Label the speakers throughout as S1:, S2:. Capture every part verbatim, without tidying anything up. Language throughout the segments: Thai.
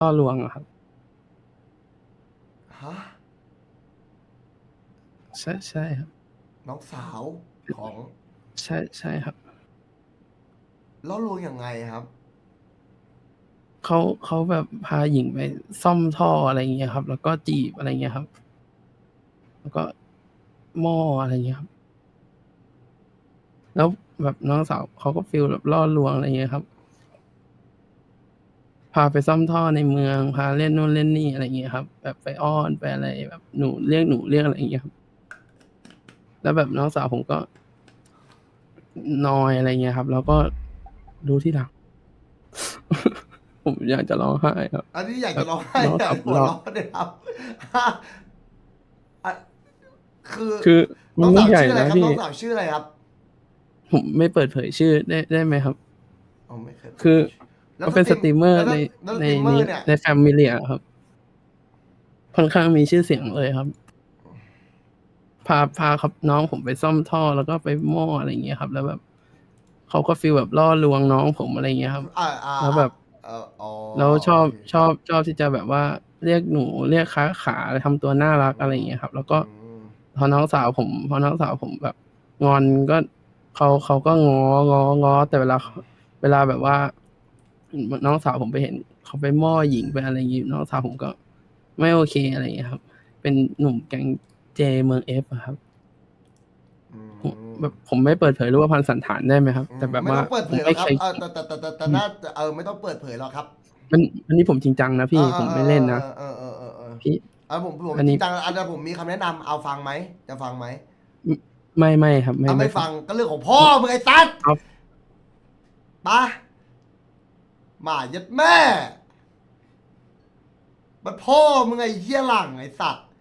S1: ล่อลวงอะครับ
S2: ฮะ
S1: ใช่ใช่ครับ
S2: น้องสาวของ
S1: ใช่ใช่ครับ
S2: ล่อลวงยังไงครับ
S1: เขาเขาแบบพาหญิงไปซ่อมท่ออะไรอย่างเงี้ยครับแล้วก็จีบอะไรเงี้ยครับแล้วก็หม้ออะไรเงี้ยครับแล้วแบบน้องสาวเขาก็ฟีลแบบล่อลวงอะไรเงี้ยครับพาไปซ่อมท่อในเมืองพาเล่นนู่นเล่นนี่อะไรเงี้ยครับแบบไปอ้อนไปอะไรแบบหนูเรียกหนูเรียกอะไรอย่างเงี้ยครับแล้วแบบน้องสาวผมก็นอยอะไรเงี้ยครับแล้วก็รู้ทีหลังผมอยากจะร้องไห้ครับ
S2: อันนี้อยาก
S1: แบบ
S2: จะร้องไห้
S1: น้อง
S2: อยากหัว
S1: สาวผมเล่า
S2: เราะเลยครับอ่ะคือ
S1: คือ
S2: น้อง
S1: มันไม่ใหญ่
S2: สาวชื่ออะไร
S1: นะพี่
S2: ครับน้องสาวชื่ออะไรครับ
S1: ผมไม่เปิดเผยชื่อได้ได้ไหมครับ
S2: อ๋อไม่เคยเปิด
S1: คือ
S2: เผยชื่อแล้ว
S1: เขาเป็น
S2: สตรีม
S1: สตรีมเมอ
S2: แล้ว
S1: ร์ใน
S2: แล้วส
S1: ใน
S2: ตรีมเมอ
S1: นี้
S2: ร์เนี่ย
S1: ในแฟมิเลียครับค่อนข้างมีชื่อเสียงเลยครับพาพาครับน้องผมไปซ่อมท่อแล้วก็ไปหม้ออะไรอย่างเงี้ยครับแล้วแบบเขาก็ฟีลแบบล่อลวงน้องผมอะไรอย่างเงี้ยครับ
S2: อ่าอ่าอ่า
S1: แล้วแบบ
S2: เอออ๋อ
S1: แล้วชอบ
S2: โอเค
S1: ชอบชอบที่จะแบบว่าเรียกหนูเรียกค้าขาทำตัวน่ารักอะไรอย่างเงี้ยครับแล้วก็
S2: อืม
S1: พอน้องสาวผมพอน้องสาวผมแบบงอนก็เขาเขาก็ง้ององอแต่เวลาเวลาแบบว่าน้องสาวผมไปเห็นเขาไปหม้อหญิงไปอะไรอย่างงี้น้องสาวผมก็ไม่โอเคอะไรอย่างเงี้ยครับเป็นหนุ่มแก๊งเจเมืองเอฟอะครับ
S2: อื
S1: ผม
S2: ม
S1: แบบผมไม่เปิดเผยรูปพรรณสันฐานได้ไหมครับ
S2: อื
S1: แต่แบบว่า
S2: มไม่ต้องเปิด
S1: ผมไม่
S2: เผยหรอกครับเออ
S1: เคยคิด
S2: แต่แต่แต่แต่แต่
S1: อืม
S2: น่าเออไม่ต้องเปิดเผยหรอกครับ
S1: มันอันนี้ผมจริงจังนะ
S2: เอ
S1: พี่
S2: อเออ
S1: ผมไม่เล่นนะ
S2: เออเออเออเออเออ
S1: พี่
S2: เออผมผม
S1: อันนี้
S2: จริงจังอันนี้ผมมีคำแนะนำเอาฟังไหมจะฟังไหม
S1: ไม่ไม่ครับไม่
S2: เอาไม่
S1: ไม่ฟัง
S2: ฟังก็เรื่องของพ่อมึงไอ้ตั๊ด
S1: เอา
S2: ปะหมายัดแม่ มันพ่อมึงไอ้เหี้ยหลังไอ้สัตว์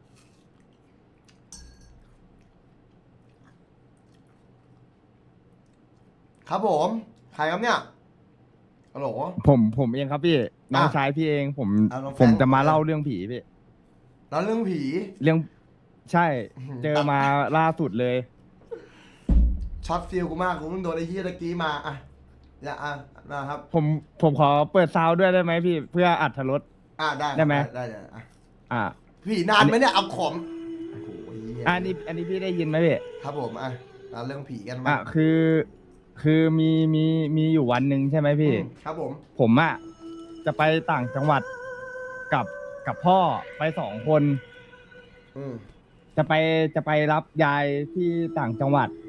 S2: ครับผมใครครับเนี่ยฮัลโหล
S3: ผมผมเองครับพี่น้อง
S2: อ่ะ
S3: ชายพี่เองผม
S2: อ่ะน้องแฟ
S3: ผม
S2: รงค์
S3: จะมา
S2: โอเค
S3: เล่าเรื่องผีพี่
S2: แล้วเรื่องผี
S3: เรื่องใช่
S2: อื้อหือ
S3: เจอ
S2: ตัด
S3: มาล่าสุดเลย
S2: ช็อตฟิลกูมากกูเพิ่งโดนไอ้เหี้ยตะกี้มาอ่ะอย่าอ่ะนะครับ
S3: ผมผมขอเปิดซาวด์ด้วยได้ไหมพี่เพื่ออัดรส
S2: อ่ะได้ค
S3: ได้
S2: รับ
S3: ไหม
S2: ได้ได้ได้อ่ะ
S3: อ่า
S2: ผีนานไหมเนี่ยเอาของโอ้โหเหี้ย
S3: อันนี้อันนี้พี่ได้ยินไหมพี่
S2: ครับผมอ่ะเราเรื่องผีกัน
S3: อ่ะ
S2: มา
S3: คือคือมีมีมีอยู่วันหนึ่งใช่ไหม
S2: อื
S3: พี่
S2: มครับผม
S3: ผมอ่ะจะไปต่างจังหวัดกับกับพ่อไปสองคน
S2: อืม
S3: จะไปจะไปรับยายที่ต่างจังหวัด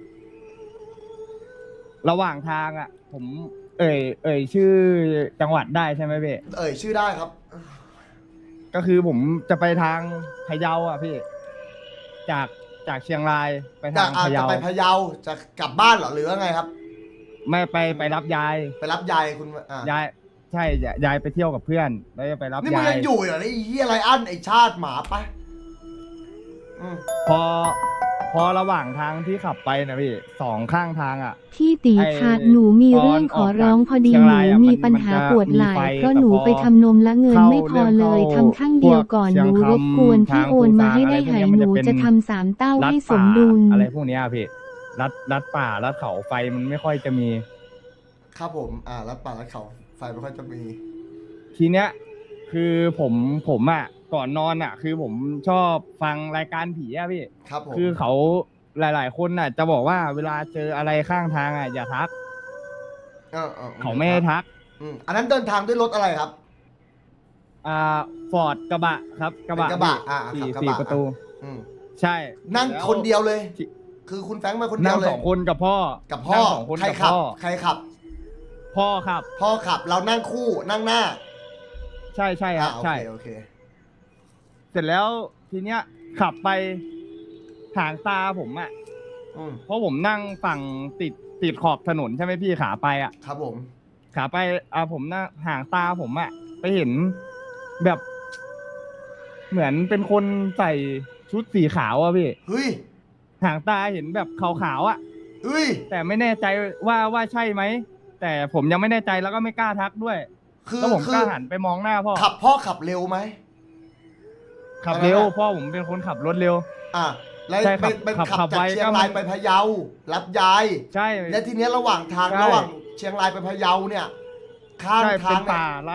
S3: ระหว่างทางอ่ะ ผมเอ่ยเอ่ยชื่อจังหวัดได้ใช่ไหมพี่
S2: เอ่ยชื่อได้ครับ
S3: ก็คือผมจะไปทางพะเยาอ่ะพี่ จากจากเชียงรายไป
S2: จะ
S3: ทาง
S2: อาจจะ
S3: พะเยา
S2: ไปพะเยาจะกลับบ้านเหรอหรือว่าไงครับ
S3: ไม่ไปไปรับยาย
S2: ไปรับยายคุณอ่ะ
S3: ยายใช่ยายยายไปเที่ยวกับเพื่อนแล้วจะไปรับ
S2: นี่มึง
S3: ยาย
S2: ยังอยู่เหรอไอ้เหี้ยไรอันไอ้ชาติหมาปะอืม
S3: พอพอระหว่างทางที่ขับไปนะพี่สองข้างทางอ่ะ
S4: พี่ตี
S3: ไอ้
S4: คะหนูมีเรื่องขอร้องพอดี
S3: เชียง
S4: หนู
S3: รายอะ
S4: มี
S3: มัน
S4: ปัญหา
S3: มันจะ
S4: ปวดไหล่
S3: มีไฟ
S4: เพราะ
S3: แต่
S4: หนู
S3: พอ
S4: ไปทำนมและเงิน
S3: เข้า
S4: ไม่พอเลย
S3: เริ่ม
S4: ทำข้างเดียวก่อน
S3: เข้า
S4: หนู
S3: พวก
S4: รบกวน
S3: เชียงคำ
S4: พี่โอนมา
S3: ทาง
S4: ให้ได้
S3: ภูซาง
S4: หาย
S3: อะไรพวกเนี้ยมัน
S4: หนู
S3: จะเป็น
S4: จะทำสามเต้า
S3: รัด
S4: ให้ส
S3: ป่าม
S4: ดุล
S3: อะไรพวกเนี้ยพี่รัดรัดป่ารัดเขาไฟมันไม่ค่อยจะมี
S2: ครับผมอ่ารัดป่ารัดเขาไฟไม่ค่อยจะมี
S3: ทีเนี้ยคือผมผมอ่ะก่อนนอนอ่ะ คือผมชอบฟังรายการผีอ่ะพี่
S2: ครับผม
S3: คือเขาหลาย ๆ คนน่ะ จะบอกว่าเวลาเจออะไรข้างทางอ่ะอย่าทัก
S2: เออเออ
S3: เขาไม่ให้ทัก
S2: อืมอันนั้นเดินทางด้วยรถอะไรครับ
S3: อ่าฟอร์ดกระบะครับกระบะ
S2: เป็นกระบะอ่า
S3: สี่
S2: ขับกระ
S3: สี่
S2: บะ
S3: ประตู
S2: อืม
S3: ใช่
S2: นั่ง
S3: แล้ว
S2: คนเดียวเลย
S3: ที่
S2: คือคุณแฟรงค์มาคนเดี
S3: นั่
S2: ยว
S3: ง
S2: เลย
S3: สองคนกับพ่อ
S2: กับพ่อ
S3: นั่งสองคน
S2: ใคร
S3: กับ
S2: ขับ
S3: พ่อ
S2: ใครขับ
S3: พ่อครับ
S2: พ่อขับเรานั่งคู่นั่งหน้า
S3: ใช่ใช่ค
S2: อ่า
S3: รับ
S2: โอ
S3: ใช่
S2: เคโอเค
S3: เสร็จแล้วทีเนี้ย ขับไปหางตาผมอ่ะ
S2: อืม
S3: เพราะผมนั่งฝั่งติดติดขอบถนนใช่ไหมพี่ขาไปอ่ะ
S2: ครับผม
S3: ขาไปอ่าผมนั่งหางตาผมอ่ะไปเห็นแบบ เหมือนเป็นคนใส่ชุดสีขาวอ่ะพี่
S2: เฮ้ย
S3: หางตาเห็นแบบขาวๆอ่ะ
S2: เฮ้ย
S3: แต่ไม่แน่ใจว่าว่าใช่ไหมแต่ผมยังไม่แน่ใจแล้วก็ไม่กล้าทักด้วย
S2: คือ
S3: แล้วผม
S2: คื
S3: ก็
S2: อ
S3: หันไปมองหน้าพ่อ
S2: ขับพ่อขับเร็วไหม
S3: ขับเร็ว
S2: อะไรนะ
S3: พ่อผมเป็นคนขับรถเร็ว
S2: อ่ะแล้ว
S3: ใช่ขั
S2: เป็
S3: บ
S2: นเป็น
S3: ขับ
S2: ขับ
S3: ขับ
S2: จาก
S3: ไว
S2: เชียง
S3: ก็
S2: ราย
S3: มัน
S2: ไปพะเยา รับยาย
S3: ใช่
S2: และทีเนี้ยระหว่างทาง
S3: ใช่
S2: ระหว่างเชียงรายไปพะเยาเนี่ย ข้าง
S3: ใช่
S2: ทา
S3: เป็
S2: ง
S3: น
S2: เนี่ย
S3: ป่ารัด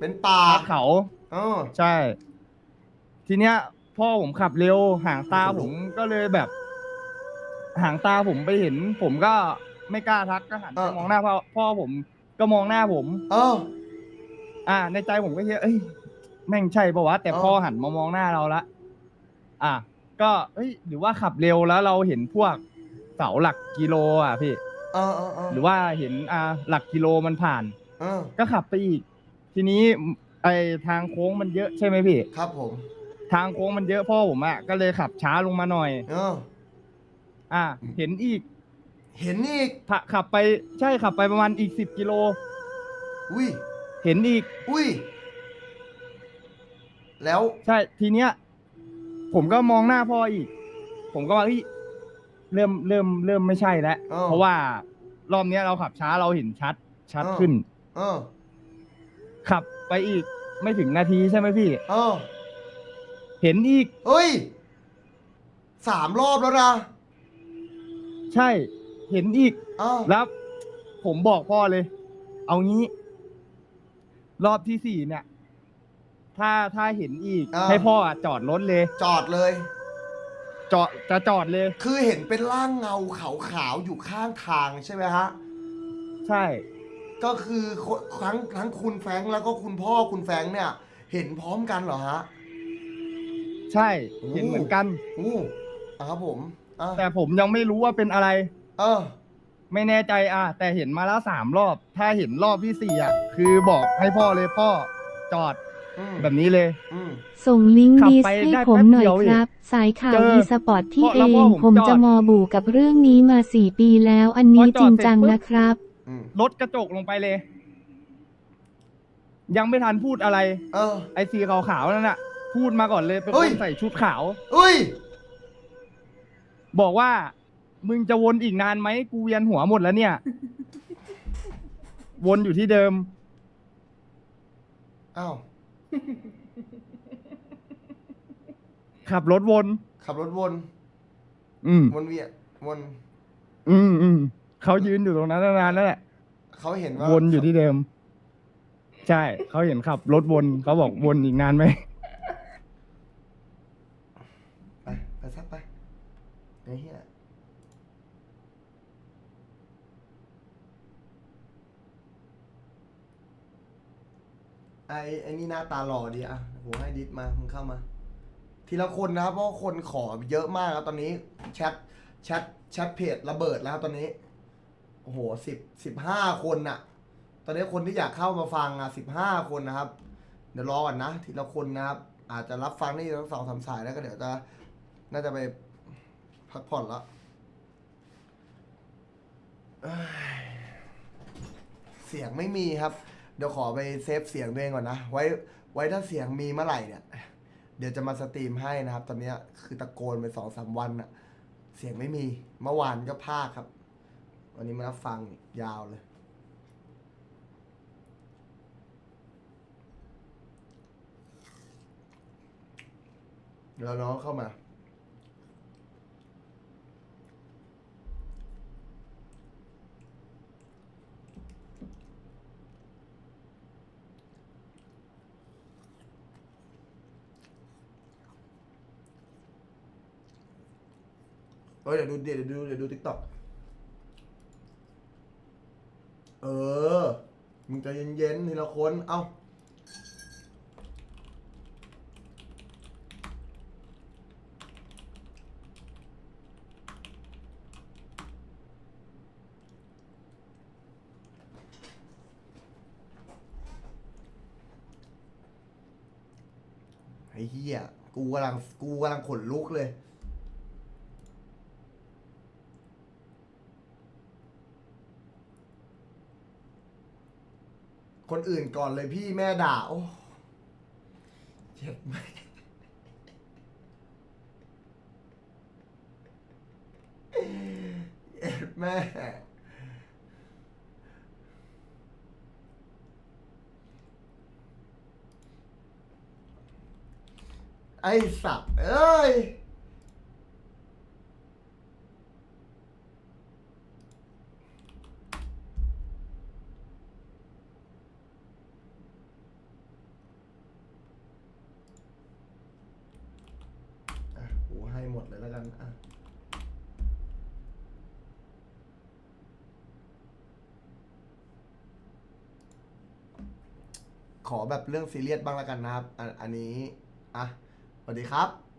S2: เป็นป่า
S3: ลาดเขา
S2: เออ
S3: ใช่ ทีเนี้ย พ่อผมขับเร็วหางตา
S2: โอ้โห
S3: ผมก็เลยแบบ หางตาผมไปเห็น ผมก็ไม่กล้าทักก็หันไปมองหน้าพ่อพ่อผมก็มองหน้าผม
S2: เออ
S3: อ่า ในใจผมก็คิดเอ้ยแม่งใช่ปะวะแต่
S2: เออ
S3: พ่อหันมามองหน้าเราละอ่ะก็เอ้ยหรือว่าขับเร็วแล้วเราเห็นพวกเสาหลักกิโลอ่ะพี่
S2: เออเออเออ
S3: หรือว่าเห็นอ่าหลักกิโลมันผ่าน
S2: เออ
S3: ก็ขับไปอีก ทีนี้ไอทางโค้งมันเยอะใช่ไหมพี่
S2: ครับผม
S3: ทางโค้งมันเยอะพ่อผมอ่ะก็เลยขับช้าลงมาหน่อย
S2: เออ
S3: อ่ะเห็นอีก
S2: เห็นอีก
S3: ถ้าขับไปใช่ขับไปประมาณอีกสิบกิโล
S2: อุ้ย
S3: เห็นอีก
S2: อุ้ย แล้ว
S3: ใช่ทีเนี้ย ผมก็มองหน้าพ่ออีก ผมก็ว่าเฮ้ยเริ่มเริ่มเริ่มไม่ใช่แล้ว
S2: เออ
S3: เพราะว่ารอบเนี้ยเราขับช้าเราเห็นชัด ชัด
S2: เออ
S3: ขึ้น
S2: เออ
S3: ขับไปอีกไม่ถึงนาทีใช่ไหมพี่
S2: เออ
S3: เห็นอีก
S2: เฮ้ย สามรอบแล้วนะ
S3: ใช่เห็นอีก
S2: อ้าว
S3: แล้วผมบอกพ่อเลย เอางี้ รอบที่สี่เนี่ย ถ้าถ้าเห็นอีก
S2: า
S3: ให้พ่ออะจอดรถเลย
S2: จอดเลย
S3: จอดจะจอดเลย
S2: คือเห็นเป็นร่างเงาขาวๆอยู่ข้างทางใช่ไหมฮะ
S3: ใช่
S2: ก็คือทั้งทั้งคุณแฟรงค์แล้วก็คุณพ่อคุณแฟรงค์เนี่ย เห็นพร้อมกันเหรอฮะ
S3: ใช่
S2: โอ้
S3: เห็นเหมือนกัน
S2: อู้อ่ะครับผมอ่ะ
S3: แต่ผมยังไม่รู้ว่าเป็นอะไร
S2: เออ
S3: ไม่แน่ใจอ่ะแต่เห็นมาแล้วสามรอบ ถ้าเห็นรอบที่สี่อ่ะ คือบอกให้พ่อเลยพ่อจอด
S2: อืม
S3: แบบนี้เลย
S2: อืม
S4: ส่งลิงก์
S3: ขับ
S4: ดิส
S3: ไป
S4: ให้
S3: ได้
S4: ผม
S3: แป๊บ
S4: หน่อย
S3: เดียว
S4: ครับ สายข่าว
S3: เจอ
S4: อีสปอร์ตที่
S3: เพราะ
S4: เอ
S3: แล้ว
S4: ง
S3: พ่อผม
S4: ผม
S3: จอด
S4: จะมอบูกับเรื่องนี้มาสี่ปีแล้ว อันนี้
S3: พอจ
S4: จ
S3: อ
S4: ริ
S3: ด
S4: ง
S3: เสร็จ
S4: จัง
S3: ปุ๊บ
S4: นะครับ
S2: อืม
S3: รถกระจกลงไปเลย ยังไม่ทันพูดอะไร
S2: เออ
S3: ไอ้สีขาวๆนั่นน่ะ พูดมาก่อนเลยเป็น
S2: เฮ้
S3: ค
S2: ย
S3: นใส่ชุดขาว
S2: เอ้ย
S3: บอกว่า มึงจะวนอีกนานไหมกูเวียนหัวหมดแล้วเนี่ย วนอยู่ที่เดิม
S2: อ้าว
S3: ขับรถวน
S2: ขับรถวน
S3: อืม
S2: วนเวียนวน
S3: อืมอืมเขายืนอยู่ตรงนั้นนานแล้วแหละ
S2: เขาเห็นว่า
S3: วนอยู่ที่เดิม ใช่เขาเห็นขับรถวนเขาบอกวนอีกนานไหม
S2: ไป ไปซักไปไอ้เหี้ยไอ้ไอ้นี่หน้าตาหล่อดีอ่ะโหให้ดิสมา มึงเข้ามา ทีละคนนะครับ เพราะว่าคนขอเยอะมากครับตอนนี้ แชท แชท แชทเพจระเบิดแล้วครับตอนนี้ โอ้โหสิบสิบห้าคนน่ะ ตอนนี้คนที่อยากเข้ามาฟังอ่ะสิบห้าคนนะครับ เดี๋ยวรอก่อนนะ ทีละคนนะครับ อาจจะรับฟังได้ทั้งสองสามสายแล้วก็เดี๋ยวจะ น่าจะไปพักผ่อนแล้วเอ้ยเสียงไม่มีครับ เดี๋ยวขอไปเซฟเสียงตัวเองก่อนนะ ไว้ ไว้ถ้าเสียงมีเมื่อไหร่เนี่ย เดี๋ยวจะมาสตรีมให้นะครับ ตอนนี้คือตะโกนไปสองสามวันอะเสียงไม่มี เมื่อวานก็พากครับ วันนี้มารับฟังยาวเลย เดี๋ยวน้องเข้ามา เอ้ยเดี๋ยวดูเดี๋ยวดูเดี๋ยวดูทิกตอกเออ มึงใจเย็นๆทีละคน เอ้า ไอ้เหี้ย กูกำลัง กูกำลังขนลุกเลย คนอื่นก่อนเลยพี่แม่ด่า โอ้เจ็บไหมเจ็บแม่ ไอ้สัตว์เอ้ยดเลยแล้วกันอ่ะขอแบบเรื่องซีเรียสบ้างแล้วกันนะครับอันอันนี้อ่ะสวัสดีครับ